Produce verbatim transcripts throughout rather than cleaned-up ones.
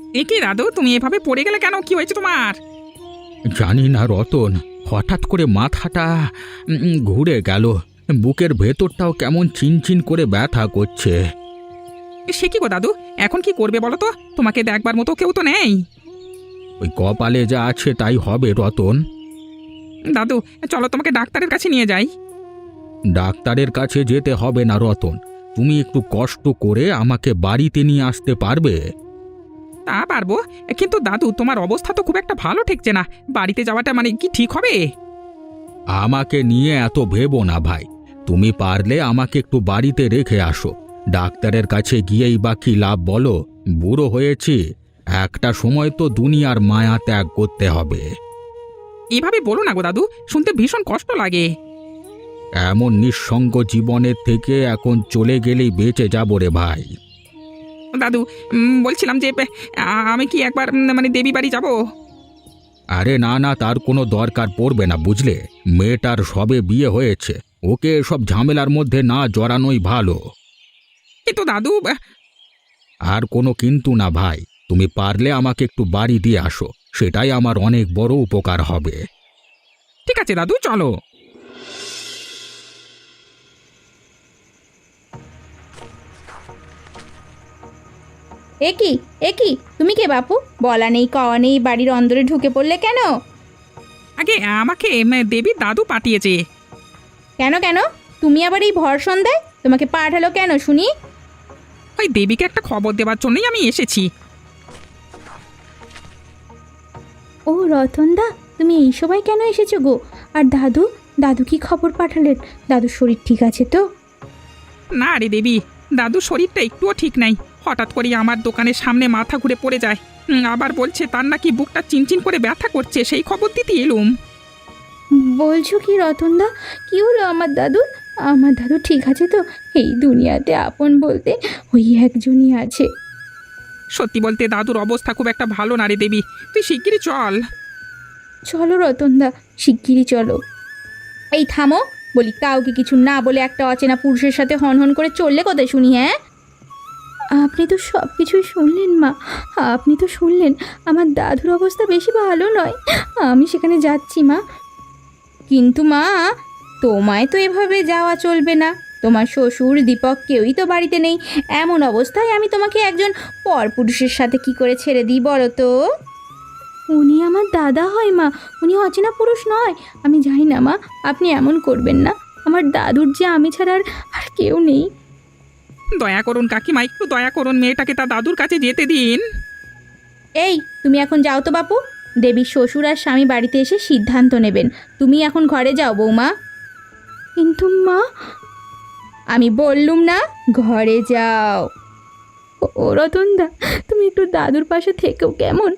এ কি দাদু, তুমি এভাবে পড়ে গেলে কেন? কি হয়েছে তোমার? জানি না রতন, হঠাৎ করে মাথাটা উম, উম, ঘুরে গেল। বুকের ভেতরটাও কেমন চিনচিন করে ব্যথা করছে। সে কি গো দাদু, এখন কি করবে বলো তো? তোমাকে দেখবার মতো কেউ তো নেই। ওই কপালে যা আছে তাই হবে রতন। দাদু, চলো তোমাকে ডাক্তারের কাছে নিয়ে যাই। ডাক্তারের কাছে যেতে হবে না রতন, তুমি একটু কষ্ট করে আমাকে বাড়িতে নিয়ে আসতে পারবে? তা পারবো, কিন্তু দাদু তোমার অবস্থা তো খুব একটা ভালো ঠেকছে না। বাড়িতে যাওয়াটা মানে কি ঠিক হবে? আমাকে নিয়ে এত ভেবো না ভাই, তুমি পারলে আমাকে একটু বাড়িতে রেখে আসো। ডাক্তারের কাছে গিয়েই বা কি লাভ বলো? বুড়ো হয়েছি, একটা সময় তো দুনিয়ার মায়া ত্যাগ করতে হবে। এভাবে বলো না গো দাদু, শুনতে ভীষণ কষ্ট লাগে। এমন নিঃসঙ্গ জীবনের থেকে এখন চলে গেলেই বেঁচে যাবো রে ভাই। দাদু, উম, বলছিলাম যে আ- আমি কি একবার উম, মানে দেবী বাড়ি যাব? আরে না না, তার কোনো দরকার পড়বে না বুঝলে। মেয়েটার সবে বিয়ে হয়েছে, ওকে সব ঝামেলার মধ্যে না জড়ানোই ভালো। কিন্তু দাদু আহ, আর কোনো কিন্তু না ভাই, তুমি পারলে আমাকে একটু বাড়ি দিয়ে আসো, সেটাই আমার অনেক বড় উপকার হবে। ঠিক আছে দাদু, চলো। এ কি এ কি তুমি কে বাপু? বলা নেই কওয়া নেই বাড়ির অন্দরে ঢুকে পড়লে কেন? আগে আমাকে উম, দেবীর দাদু পাঠিয়েছে। কেন কেন তুমি আবার এই ভর সন্ধ্যায়? তোমাকে পাঠালো কেন শুনি? ওই দেবীকে একটা খবর দেওয়ার জন্যই আমি এসেছি। ও রতনদা, তুমি এই সময় কেন এসেছো গো? আর দাদু, দাদু কি খবর পাঠালেন? দাদুর শরীর ঠিক আছে তো? না রে দেবী, দাদুর শরীরটা একটুও ঠিক নাই। হঠাৎ করে আমার দোকানের সামনে মাথা ঘুরে পড়ে যায়। হুম, আবার বলছে তার নাকি বুকটা চিনচিন করে ব্যথা করছে, সেই খবর দিতে এলুম। বলছো কি রতনদা? কি হলো আমার দাদুর? আমার দাদু ঠিক আছে তো? এই দুনিয়াতে আপন বলতে ওই একজনই আছে। সত্যি বলতে দাদুর অবস্থা খুব একটা ভালো না রে দেবী, তুই শিগগিরই চল। চলো রতনদা, শিগগিরই চলো। এই থামো বলি, কাউকে কিছু না বলে একটা অচেনা পুরুষের সাথে হনহন করে চললে কোথায় শুনি? হ্যাঁ, আপনি তো সব কিছুই শুনলেন মা, আপনি তো শুনলেন আমার দাদুর অবস্থা বেশি ভালো নয়। আমি সেখানে যাচ্ছি মা। কিন্তু মা, তোমায় তো এভাবে যাওয়া চলবে না। তোমার শ্বশুর দীপক কেউই তো বাড়িতে নেই। এমন অবস্থায় আমি তোমাকে একজন পরপুরুষের সাথে কি করে ছেড়ে দিই বলো তো? উনি আমার দাদা হয় মা, উনি অচেনা পুরুষ নয়। আমি জানি না মা, আপনি এমন করবেন না। আমার দাদুর যে আমি ছাড়া আর আর কেউ নেই। দয়া করুন কাকিমা, একটু দয়া করুন, মেয়েটাকে তার দাদুর কাছে যেতে দিন। এই তুমি এখন যাও তো বাপু, দেবীর শ্বশুর আর স্বামী বাড়িতে এসে সিদ্ধান্ত নেবেন। তুমি এখন ঘরে যাও বৌমা। কিন্তু মা, আমি বললুম না ঘরে যাও। ও রতনদা, তুমি একটু দাদুর পাশে থেকেও কেমন?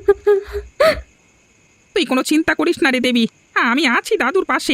তুই কোনো চিন্তা করিস না রে দেবী, আমি আছি দাদুর পাশে।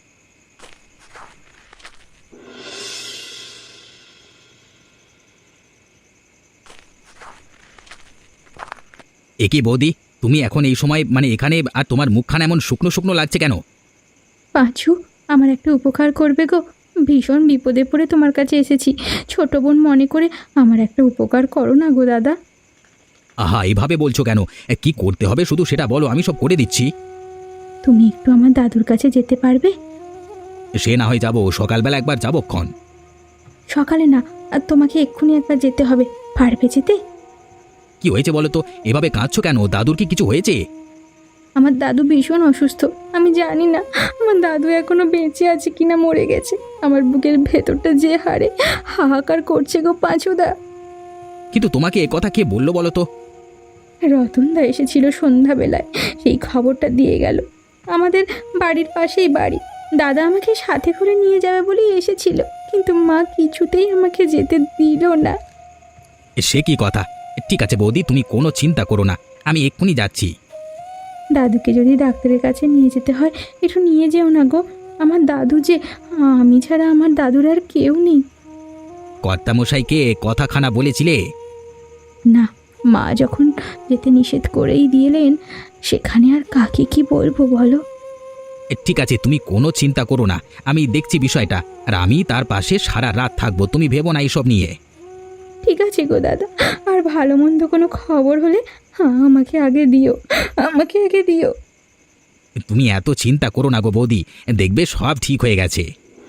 এ কি বৌদি, তুমি এখন এই সময় মানে এখানে, আর তোমার মুখখানা এমন শুকনো শুকনো লাগছে কেন? পাঁচু, আমার একটা উপকার করবে গো? ভীষণ বিপদে পড়ে তোমার কাছে এসেছি। ছোট বোন মনে করে আমার একটা উপকার করো না গো দাদা। আহা, এভাবে বলছো কেন? এ, কি করতে হবে শুধু সেটা বলো, আমি সব করে দিচ্ছি। তুমি একটু আমার দাদুর কাছে যেতে পারবে? সে না হয় যাবো, সকালবেলা একবার যাবো ক্ষণ। সকালে না, আর তোমাকে এক্ষুনি একবার যেতে হবে। পারবে যেতে? কি হয়েছে বলো তো? এভাবে কাঁদছো কেন? দাদুর কি কিছু হয়েছে? আমার দাদু ভীষণ অসুস্থ। আমি জানি না আমার দাদু এখনো বেঁচে আছে কিনা মরে গেছে। আমার বুকের ভেতরটা যে হারে হাহাকার করছে গো পাঁচুদা। কিন্তু তোমাকে এ কথা কে বললো বলো তো? রতনদা এসেছিল সন্ধ্যাবেলায়, সেই খবরটা দিয়ে গেল। আমাদের বাড়ির পাশেই বাড়ি। দাদা আমাকে সাথে করে নিয়ে যাবে বলেই এসেছিল, কিন্তু মা কিছুতেই আমাকে যেতে দিল না। এ, সে কি কথা? ঠিক আছে বৌদি, তুমি কোনো চিন্তা করো না, আমি এক্ষুনি যাচ্ছি। দাদুকে যদি ডাক্তারের কাছে নিয়ে যেতে হয়, একটু নিয়ে যেও না গো। আমার দাদু যে, আমি ছাড়া আমার দাদুর আর কেউ নেই। কর্তামশাইকে কথাখানা বলেছিলে? না, মা যখন যেতে নিষেধ করেই দিলেন, সেখানে আর কাকে কি বলবো বলো? এ, ঠিক আছে, তুমি কোনো চিন্তা করো না, আমি দেখছি বিষয়টা, আর আমি তার পাশে সারা রাত থাকবো, তুমি ভেবো না এইসব নিয়ে। ঠিক আছে গো দাদা, আর ভালো মন্দ কোনো খবর হলে হ্যাঁ আমাকে আগে দিও, আমাকে আগে দিও। তুমি এত চিন্তা করো না গো বৌদি, দেখবে সব ঠিক হয়ে গেছে।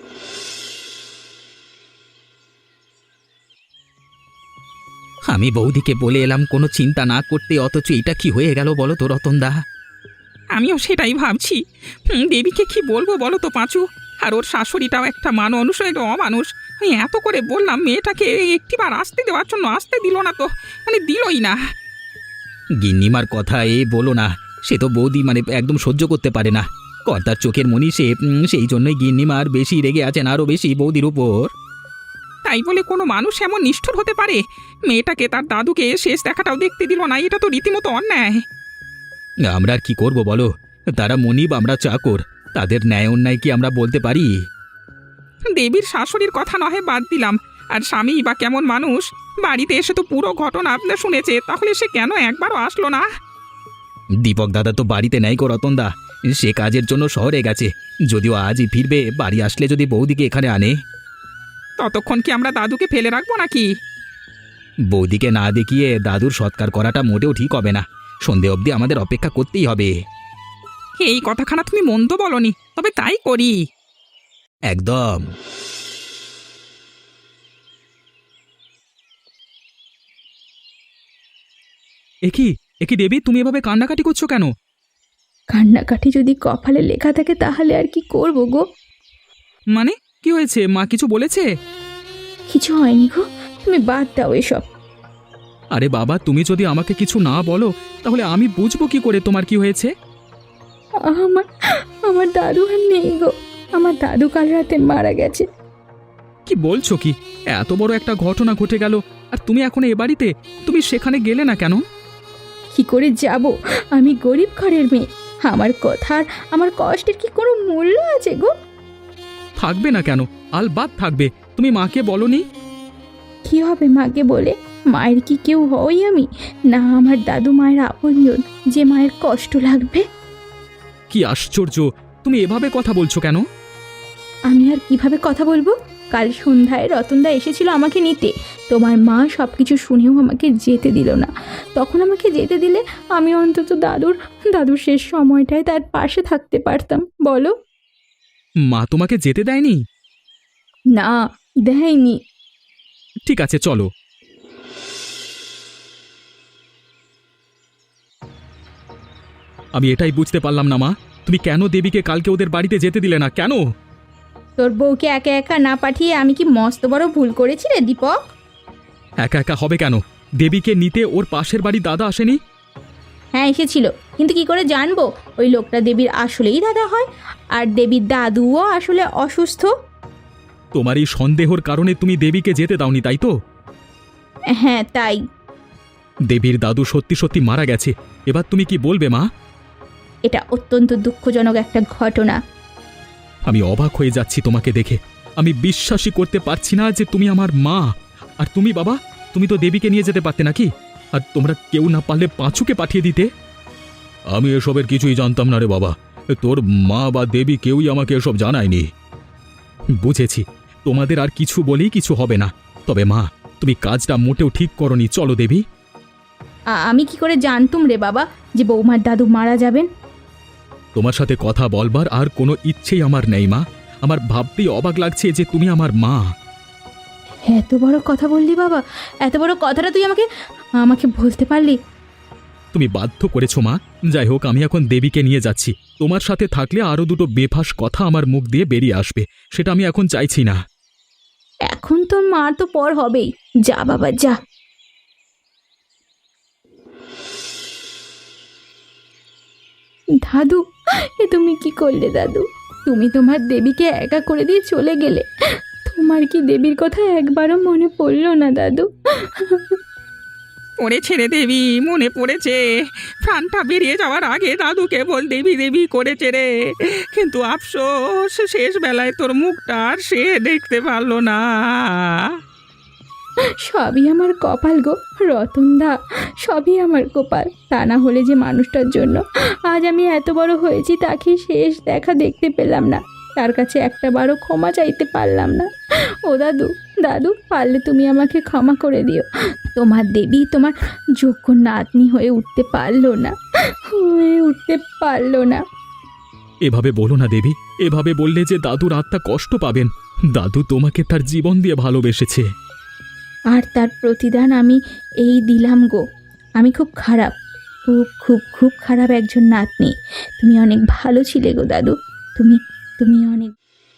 আমি বৌদিকে বলে এলাম কোনো চিন্তা না করতে, অথচ এটা কি হয়ে গেল বলো তো রতনদা? আমিও সেটাই ভাবছি। হুম, দেবীকে কি বলবো বলো তো পাঁচু? আর ওর শাশুড়িটাও একটা মানুষ, একটা অমানুষ। আমি এত করে বললাম মেয়েটাকে একটিবার আসতে দেওয়ার জন্য, আসতে দিল না তো, মানে দিলই না। গিন্নিমার কথা এ বলো না, সে তো বৌদি মানে একদম সহ্য করতে পারে না। কর্তার চোখের মনি সে, উম, সেই জন্যই গিন্নিমার বেশি রেগে আছেন, আরও বেশি বৌদির উপর। তাই বলে কোনো মানুষ এমন নিষ্ঠুর হতে পারে? মেয়েটাকে তার দাদুকে শেষ দেখাটাও দেখতে দিল না, এটা তো রীতিমতো অন্যায়। আমরা আর কি করব বলো, তারা মনিব, আমরা চাকর, তাদের ন্যায় অন্যায় কি আমরা বলতে পারি? দেবীর শাশুড়ির কথা নহে বাদ দিলাম, আর স্বামী বা কেমন মানুষ? বাড়িতে এসে তো পুরো ঘটনা আপনার শুনেছে, তাহলে সে কেন একবারও আসলো না? দীপক দাদা তো বাড়িতে নেই গো রতনদা, সে কাজের জন্য শহরে গেছে। যদিও আজই ফিরবে, বাড়ি আসলে যদি বৌদিকে এখানে আনে। ততক্ষণ কি আমরা দাদুকে ফেলে রাখবো নাকি? বৌদিকে না দেখিয়ে দাদুর সৎকার করাটা মোটেও ঠিক হবে না। সন্ধে অবধি আমাদের অপেক্ষা করতেই হবে। এই কথাখানা তুমি মন্দ বলনি, তবে তাই করি। একদম। একি একি দেবী, তুমি এভাবে কান্নাকাটি করছো কেন? কান্নাকাটি যদি কপালে লেখা থাকে তাহলে আর কি করব গো? মানে কি হয়েছে? মা কিছু বলেছে? কিছু হয়নি গো, তুমি বাদ দাও এসব। আরে বাবা, তুমি যদি আমাকে কিছু না বলো তাহলে আমি বুঝবো কি করে তোমার কি হয়েছে? আমার আমার দাদু আর নেই গো, আমার দাদু কাল রাতে মারা গেছে। কি বলছো কি? এত বড় একটা ঘটনা ঘটে গেল আর তুমি এখন এ বাড়িতে, তুমি সেখানে গেলে না কেন? কি করে যাব? আমি গরিব ঘরের মেয়ে, আমার কথার আমার কষ্টের কি কোনো মূল্য আছে গো? থাকবে না কেন, আলবাত থাকবে। তুমি মাকে বলনি? কি হবে মাকে বলে? মায়ের কি কেউ হই আমি? না আমার দাদু মায়ের আপনজন যে মায়ের কষ্ট লাগবে? কি আশ্চর্য, তুমি এভাবে কথা বলছো কেন? আমি আর কিভাবে কথা বলবো? কাল সন্ধ্যায় রতনদা এসেছিল আমাকে নিতে, তোমার মা সব কিছু শুনেও আমাকে যেতে দিল না। তখন আমাকে যেতে দিলে আমি অন্তত দাদুর দাদুর শেষ সময়টায় তার পাশে থাকতে পারতাম, বলো? মা তোমাকে যেতে দেয়নি? না, দেয়নি। ঠিক আছে, চলো। আমি এটাই বুঝতে পারলাম না মা, তুমি কেন দেবীকে কালকে ওদের বাড়িতে যেতে দিলে না কেন? তোর বউকে একা একা না পাঠিয়ে আমি কি মস্ত বড় ভুল করেছি রে দীপক? একা একা হবে কেন? দেবীকে নিতে ওর পাশের বাড়ি দাদা আসেনি? হ্যাঁ এসেছিল, কিন্তু কি করে জানবো ওই লোকটা দেবীর আসলেই দাদা হয় আর দেবীর দাদুও আসলে অসুস্থ? তোমার এই সন্দেহর কারণে তুমি দেবীকে যেতে দাওনি, তাই তো? হ্যাঁ তাই। দেবীর দাদু সত্যি সত্যি মারা গেছে, এবার তুমি কি বলবে মা? এটা অত্যন্ত দুঃখজনক একটা ঘটনা। আমি অবাক হয়ে যাচ্ছি তোমাকে দেখে। আমি বিশ্বাসই করতে পারছি না যে তুমি আমার মা। আর তুমি বাবা, তুমি তো দেবীকে নিয়ে যেতে পারতে নাকি? আর তোমরা কেউ না পারলে পাঁচুকে পাঠিয়ে দিতে। আমি এসবের কিছুই জানতাম না রে বাবা, তোর মা বা দেবী কেউই আমাকে এসব জানায়নি। বুঝেছি, তোমাদের আর কিছু বলেই কিছু হবে না। তবে মা, তুমি কাজটা মোটেও ঠিক করনি। চলো দেবী। আ- আমি কি করে জানতুম রে বাবা যে বৌমার দাদু মারা যাবেন? তোমার সাথে কথা বলবার আর কোনো ইচ্ছেই আমার নেই মা। আমার ভাবতেই অবাক লাগছে যে তুমি আমার মা। এত বড় কথা বললি বাবা, এত বড় কথাটা তুই আমাকে আমাকে বলতে পারলি? তুমি বাধ্য করেছো মা। যাই হোক, আমি এখন দেবীকে নিয়ে যাচ্ছি। তোমার সাথে থাকলে আরো দুটো বেফাস কথা আমার মুখ দিয়ে বেরিয়ে আসবে, সেটা আমি এখন চাইছি না। এখন তোর মার তো পর হবেই। যা বাবা যা। দাদু, এ তুমি কি করলে দাদু? তুমি তোমার দেবীকে একা করে দিয়ে চলে গেলে। তোমার কি দেবীর কথা একবারও মনে পড়লো না দাদু? পড়েছে রে দেবী, মনে পড়েছে। প্রাণটা বেরিয়ে যাওয়ার আগে দাদু কেবল দেবী দেবী করেছে রে, কিন্তু আফসোস শেষ বেলায় তোর মুখটা আর সে দেখতে পারলো না। সবই আমার কপাল গো রতনদা, সবই আমার কপাল। তা না হলে যে মানুষটার জন্য আজ আমি এত বড় হয়েছি তাকে শেষ দেখা দেখতে পেলাম না, তার কাছে একটা বারও ক্ষমা চাইতে পারলাম না। ও দাদু, দাদু পারলে তুমি আমাকে ক্ষমা করে দিও। তোমার দেবী তোমার যোগ্য নাতনি হয়ে উঠতে পারলো না, হয়ে উঠতে পারলো না। এভাবে বলো না দেবী, এভাবে বললে যে দাদুর আত্মা কষ্ট পাবেন। দাদু তোমাকে তার জীবন দিয়ে ভালোবেসেছে। আর তার প্রতিদান আমি এই দিলাম গো। আমি খুব খারাপ, খুব খুব খুব খারাপ একজন নাতনি। তুমি অনেক ভালো ছিলে গো দাদু, তুমি তুমি অনেক।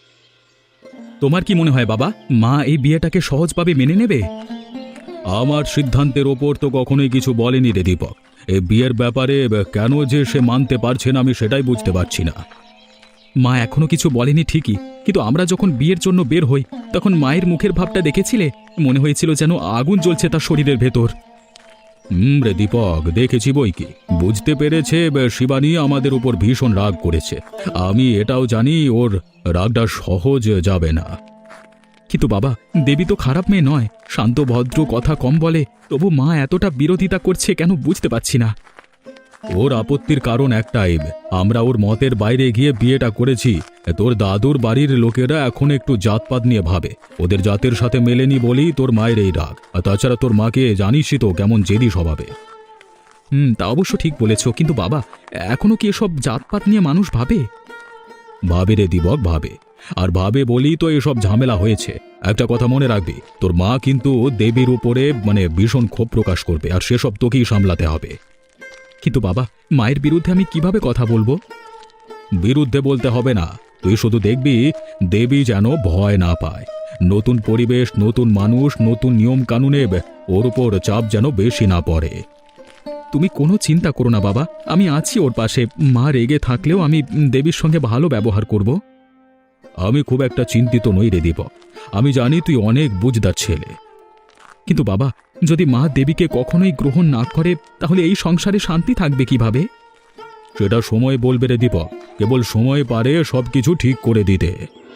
তোমার কি মনে হয় বাবা, মা এই বিয়েটাকে সহজভাবে মেনে নেবে? আমার সিদ্ধান্তের ওপর তো কখনোই কিছু বলেনি রে দীপক। এই বিয়ের ব্যাপারে কেন যে সে মানতে পারছে না আমি সেটাই বুঝতে পারছি না। মা এখনো কিছু বলেনি ঠিকই, কিন্তু আমরা যখন বিয়ের জন্য বের হই তখন মায়ের মুখের ভাবটা দেখেছিলে? মনে হয়েছিল যেন আগুন জ্বলছে তার শরীরের ভেতর। হুম রে দীপক, দেখেছি বই কি। বুঝতে পেরেছে শিবানী আমাদের উপর ভীষণ রাগ করেছে। আমি এটাও জানি ওর রাগটা সহজ যাবে না। কিন্তু বাবা, দেবী তো খারাপ মেয়ে নয়, শান্ত ভদ্র, কথা কম বলে। তবু মা এতটা বিরোধিতা করছে কেন বুঝতে পারছি না। ওর আপত্তির কারণ একটাই, আমরা ওর মতের বাইরে গিয়ে বিয়েটা করেছি। তোর দাদুর বাড়ির লোকেরা এখন একটু জাতপাত নিয়ে ভাবে, ওদের জাতের সাথে মেলেনি বলেই তোর মায়ের এই রাগ। আর তাছাড়া তোর মাকে জানিসই তো কেমন জেদি স্বভাবে। হুম, তা অবশ্য ঠিক বলেছ, কিন্তু বাবা এখনো কি এসব জাতপাত নিয়ে মানুষ ভাবে? ভাবে রে দীপক, ভাবে। আর ভাবে বলেই তো এসব ঝামেলা হয়েছে। একটা কথা মনে রাখবি, তোর মা কিন্তু দেবীর উপরে মানে ভীষণ ক্ষোভ প্রকাশ করবে, আর সেসব তোকেই সামলাতে হবে। কিন্তু বাবা, মায়ের বিরুদ্ধে আমি কিভাবে কথা বলবো? বিরুদ্ধে বলতে হবে না, তুই শুধু দেখবি দেবী যেন ভয় না পায়। নতুন পরিবেশ, নতুন মানুষ, নতুন নিয়ম কানুনে ওর উপর চাপ যেন বেশি না পড়ে। তুমি কোনো চিন্তা করো না বাবা, আমি আছি ওর পাশে। মা রেগে থাকলেও আমি দেবীর সঙ্গে ভালো ব্যবহার করব। আমি খুব একটা চিন্তিত নই রে দীপক, আমি জানি তুই অনেক বুঝদার ছেলে। কিন্তু বাবা, যদি মা দেবীকে কখনোই গ্রহণ না করে তাহলে এই সংসারে শান্তি থাকবে কিভাবে? সেটা সময় বলবে রে দীপক, কেবল সময় পারে সবকিছু ঠিক করে দিতে।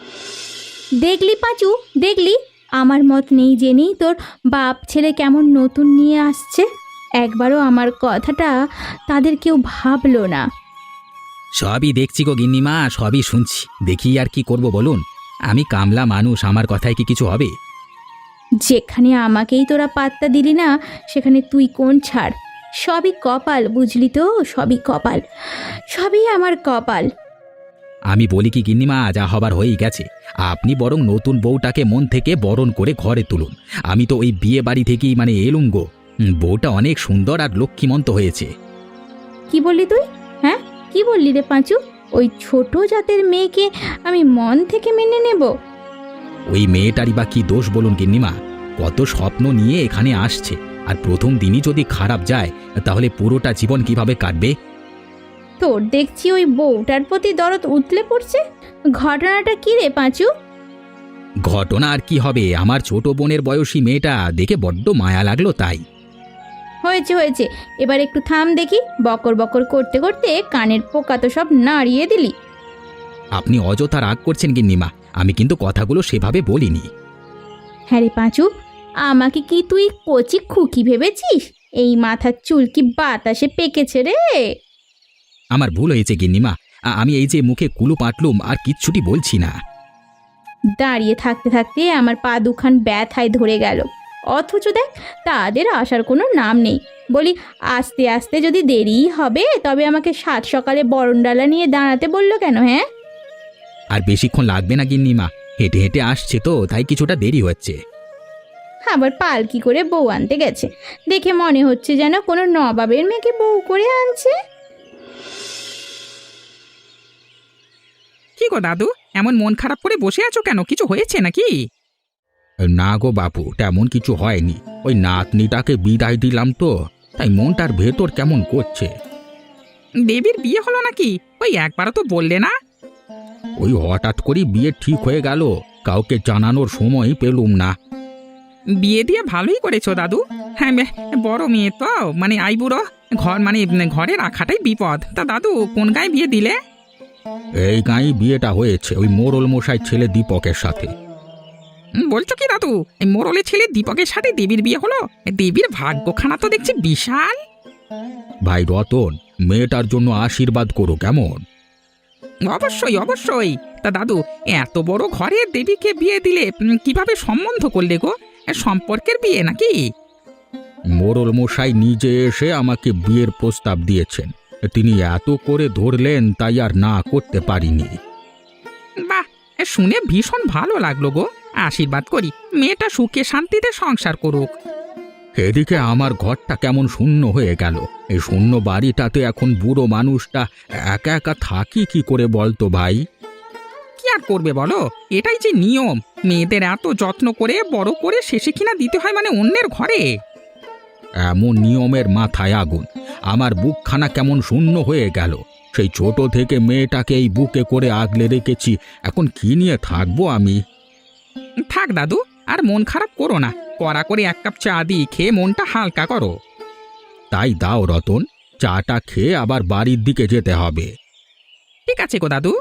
দেখলি পাঁচু, দেখলি আমার মত নেই জেনেই তোর বাপ ছেলে কেমন নতুন নিয়ে আসছে। একবারও আমার কথাটা তাদের কেউ ভাবলো না। সবই দেখছি গো গিন্নিমা, সবই শুনছি। দেখি আর কি করব বলুন? আমি কামলা মানুষ, আমার কথায় কি কিছু হবে? যেখানে আমাকেই তোরা পাত্তা দিলি না সেখানে তুই কোন ছাড়। সবই কপাল, বুঝলি তো, সবই কপাল, সবই আমার কপাল। আমি বলি কি গিন্নিমা, যা হবার হয়েই গেছে। আপনি বরং নতুন বউটাকে মন থেকে বরণ করে ঘরে তুলুন। আমি তো ওই বিয়ে বাড়ি থেকেই মানে এলুম গো। হুম, বউটা অনেক সুন্দর আর লক্ষ্মীমন্ত হয়েছে। কি বললি তুই? হ্যাঁ, কি বললি রে পাঁচু? ওই ছোট জাতের মেয়েকে আমি মন থেকে মেনে নেব? ওই মেয়েটারই বা কি দোষ বলুন গিন্নিমা? কত স্বপ্ন নিয়ে এখানে আসছে, আর প্রথম দিনই যদি খারাপ যায় তাহলে পুরোটা জীবন কিভাবে কাটবে? তোর দেখছি ওই বউটার প্রতি দরদ উতলে পড়ছে। ঘটনাটা কি রে পাঁচু? ঘটনা আর কি হবে, আমার ছোট বোনের বয়সী মেয়েটা দেখে বড্ড মায়া লাগলো তাই। হয়েছে হয়েছে, এবার একটু থাম দেখি। বকর বকর করতে করতে কানের পোকা তো সব নাড়িয়ে দিলি। আপনি অযথা রাগ করছেন গিন্নিমা, আমি কিন্তু কথাগুলো সেভাবে বলিনি। হ্যাঁ রে পাঁচু, আমাকে কি তুই কচি খুকি ভেবেছিস? এই মাথার চুল কি বাতাসে পেকেছে রে? আমার ভুল হয়েছে গিন্নিমা, আ- আমি এই যে মুখে কুলু পাটলুম আর কিচ্ছুটি বলছি না। দাঁড়িয়ে থাকতে থাকতে আমার পা দুখান ব্যথায় ধরে গেল, অথচ দেখ তাদের আসার কোনো নাম নেই। বলি আস্তে আস্তে যদি দেরিই হবে তবে আমাকে সাত সকালে বরণডালা নিয়ে দাঁড়াতে বললো কেন? হ্যাঁ, আর বেশিক্ষণ লাগবে না গিন্নিমা, হেঁটে হেঁটে আসছে তো তাই কিছুটা দেরি হচ্ছে। আবার পালকি করে বউ আনতে গেছে, দেখে মনে হচ্ছে যেন কোনো নবাবের মেয়েকে বউ করে আনছে। কি গো দাদু, এমন মন খারাপ করে বসে আছো কেন? কিছু হয়েছে নাকি? না গো বাপু, তেমন কিছু হয়নি। ওই নাতনিটাকে বিদায় দিলাম তো, তাই মনটার ভেতর কেমন করছে। দেবীর বিয়ে হলো নাকি? ওই একবারও তো বললে না। ওই হঠাৎ করে বিয়ে ঠিক হয়ে গেল, কাউকে জানানোর সময় পেলুম না। বিয়ে দিয়ে ভালোই করেছো দাদু। হ্যাঁ, বে- বড় মেয়ে তো, মানে আইবুড়ো ঘর, মানে ঘরে রাখাটাই বিপদ। তা দাদু কোন গায়ে বিয়ে দিলে? এই গাঁয়ে বিয়েটা হয়েছে ওই মোড়ল মশাই ছেলে দীপকের সাথে। উম, বলছো কি দাদু, এই মোড়লের ছেলে দীপকের সাথে দেবীর বিয়ে হলো? দেবীর ভাগ্যখানা তো দেখছি বিশাল। ভাই রতন, মেয়েটার জন্য আশীর্বাদ করো কেমন? অবশ্যই অবশ্যই। তা দাদু, এত বড় ঘরে দেবীকে বিয়ে দিলে উম, কিভাবে সম্বন্ধ করলে গো? এ, সম্পর্কের বিয়ে নাকি? মোড়ল মশাই নিজে এসে আমাকে বিয়ের প্রস্তাব দিয়েছেন। তিনি এত করে ধরলেন তাই আর না করতে পারিনি। বাহ, এ, শুনে ভীষণ ভালো লাগলো গো। আশীর্বাদ করি মেয়েটা সুখে শান্তিতে সংসার করুক। এদিকে আমার ঘরটা কেমন শূন্য হয়ে গেল। এই শূন্য বাড়িটাতে এখন বুড়ো মানুষটা একা একা থাকি কি করে বলতো ভাই? কি আর করবে বলো, এটাই যে নিয়ম। মেয়েদের এত যত্ন করে বড় করে শেষে কিনা দিতে হয় মানে অন্যের ঘরে। এমন নিয়মের মাথায় আগুন। আমার বুকখানা কেমন শূন্য হয়ে গেল। সেই ছোট থেকে মেয়েটাকে এই বুকে করে আগলে রেখেছি, এখন কি নিয়ে থাকবো আমি? থাক দাদু, আর মন খারাপ করো না। কড়া করে এক কাপ চা দিই, খেয়ে মনটা হালকা করো। তাই দাও রতন, চাটা খেয়ে আবার বাড়ির দিকে যেতে হবে। ঠিক আছে গো দাদু।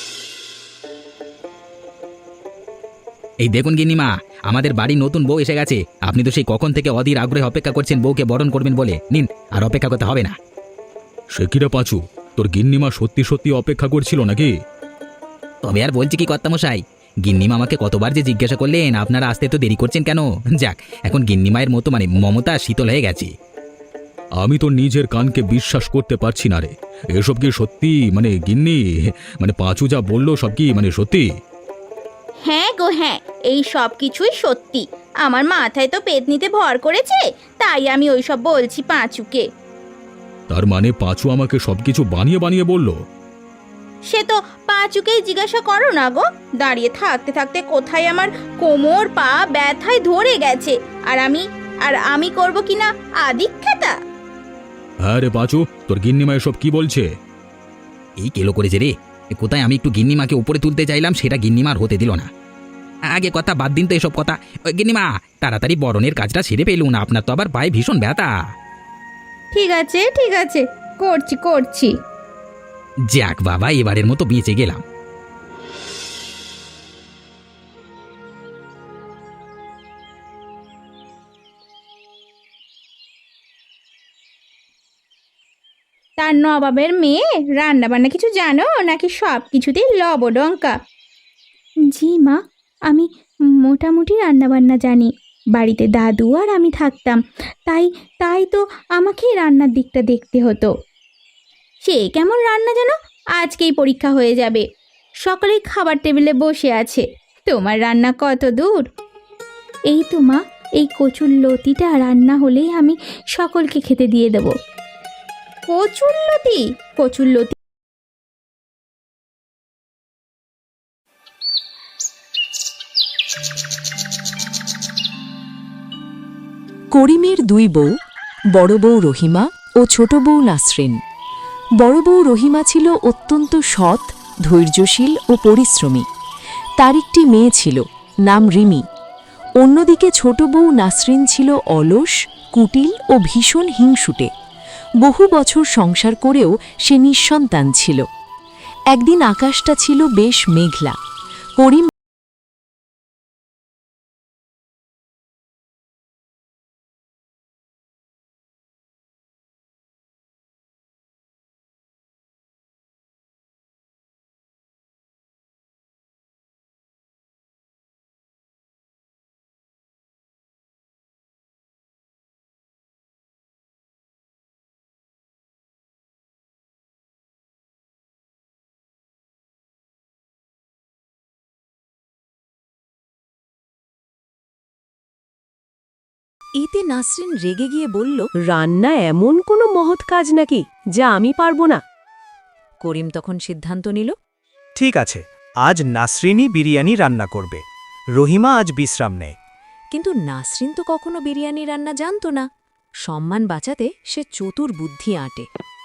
এই দেখুন গিন্নিমা, আমাদের বাড়ি নতুন বউ এসে গেছে। আপনি তো সেই কখন থেকে অধীর আগ্রহে অপেক্ষা করছেন বউকে বরণ করবেন বলে। নিন, আর অপেক্ষা করতে হবে না। সে কিরে পাঁচু, তোর গিন্নিমা সত্যি সত্যি অপেক্ষা করছিল নাকি? তবে আর বলছি কি কর্তামশাই, গিন্নিমা আমাকে কতবার যে জিজ্ঞাসা করলেন আপনারা আসতে তো দেরি করছেন কেন। যাক, এখন গিন্নিমায়ের মতো মানে মমতা শীতল হয়ে গেছে। আমি তো নিজের কানকে বিশ্বাস করতে পারছি না রে। এসব কি সত্যি? মানে গিন্নি, মানে পাঁচু যা বললো সব কি মানে সত্যি? হ্যাঁ গো হ্যাঁ, এই সব কিছুই সত্যি। আমার মাথায় তো পেতনিতে ভর করেছে, তাই আমি ওই সব বলছি পাঁচুকে। তার মানে পাঁচু আমাকে সবকিছু বানিয়ে বানিয়ে বলল? সে তো পাঁচুকেই জিজ্ঞাসা করো না গো। দাঁড়িয়ে থাকতে থাকতে কোথায় আমার কোমর পা ব্যথায় ধরে গেছে, আর আমি আর আমি করব কিনা আদিক্ষেতা। হ্যাঁ রে পাঁচু, তোর গিন্নিমা এসব কি বলছে? এই কেলো করেছে রে। এ কোথায় আমি একটু গিন্নিমাকে উপরে তুলতে চাইলাম, সেটা গিন্নিমার হতে দিল না। আগে কথা বাদ দিন তো এসব কথা। ওই গিন্নিমা, তাড়াতাড়ি বরণের কাজটা সেরে পেলুন, আপনার তো আবার পায়ে ভীষণ ব্যথা। ঠিক আছে ঠিক আছে, করছি করছি। যাক বাবা, এবারের মতো বেঁচে গেলাম। তার নবাবের মেয়ে রান্না বান্না কিছু জানো নাকি সব কিছুতেই লবডঙ্কা? জি মা, আমি মোটামুটি রান্না বান্না জানি। বাড়িতে দাদু আর আমি থাকতাম, তাই তাই তো আমাকেই রান্নার দিকটা দেখতে হতো। সে কেমন রান্না জানো? আজকেই পরীক্ষা হয়ে যাবে। সকলেই খাবার টেবিলে বসে আছে, তোমার রান্না কত দূর? এই তো মা, এই কচুর লতিটা রান্না হলেই আমি সকলকে খেতে দিয়ে দেবো। কচুরলতি? কচুরলতি করিমের দুই বউ, বড় বউ রহিমা ও ছোট বউ নাসরিন। বড় বউ রহিমা ছিল অত্যন্ত সৎ, ধৈর্যশীল ও পরিশ্রমী। তার একটি মেয়ে ছিল, নাম রিমি। অন্যদিকে ছোট বউ নাসরিন ছিল অলস, কুটিল ও ভীষণ হিংসুটে। বহু বছর সংসার করেও সে নিঃসন্তান ছিল। একদিন আকাশটা ছিল বেশ মেঘলা। করিম এতে নাসরিন রেগে গিয়ে বলল, রান্না এমন কোনো মহৎ কাজ নাকি যা আমি পারবো না? করিম তখন সিদ্ধান্ত নিল, ঠিক আছে, আজ নাসরিনই বিরিয়ানি রান্না করবে। রহিমা আজ বিশ্রাম নেয়। কিন্তু নাসরিন তো কখনো বিরিয়ানি রান্না জানত না। সম্মান বাঁচাতে সে চতুর বুদ্ধি আঁটে।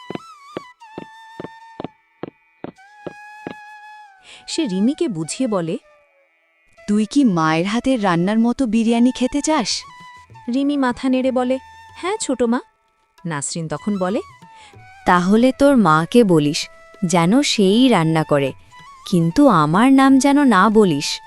সে রিমিকে বুঝিয়ে বলে, তুই কি মায়ের হাতের রান্নার মতো বিরিয়ানি খেতে চাস? রিমি মাথা নেড়ে বলে, হ্যাঁ ছোট মা। নাসরিন তখন বলে, তাহলে তোর মাকে বলিস যেন সেই রান্না করে, কিন্তু আমার নাম যেন না বলিস।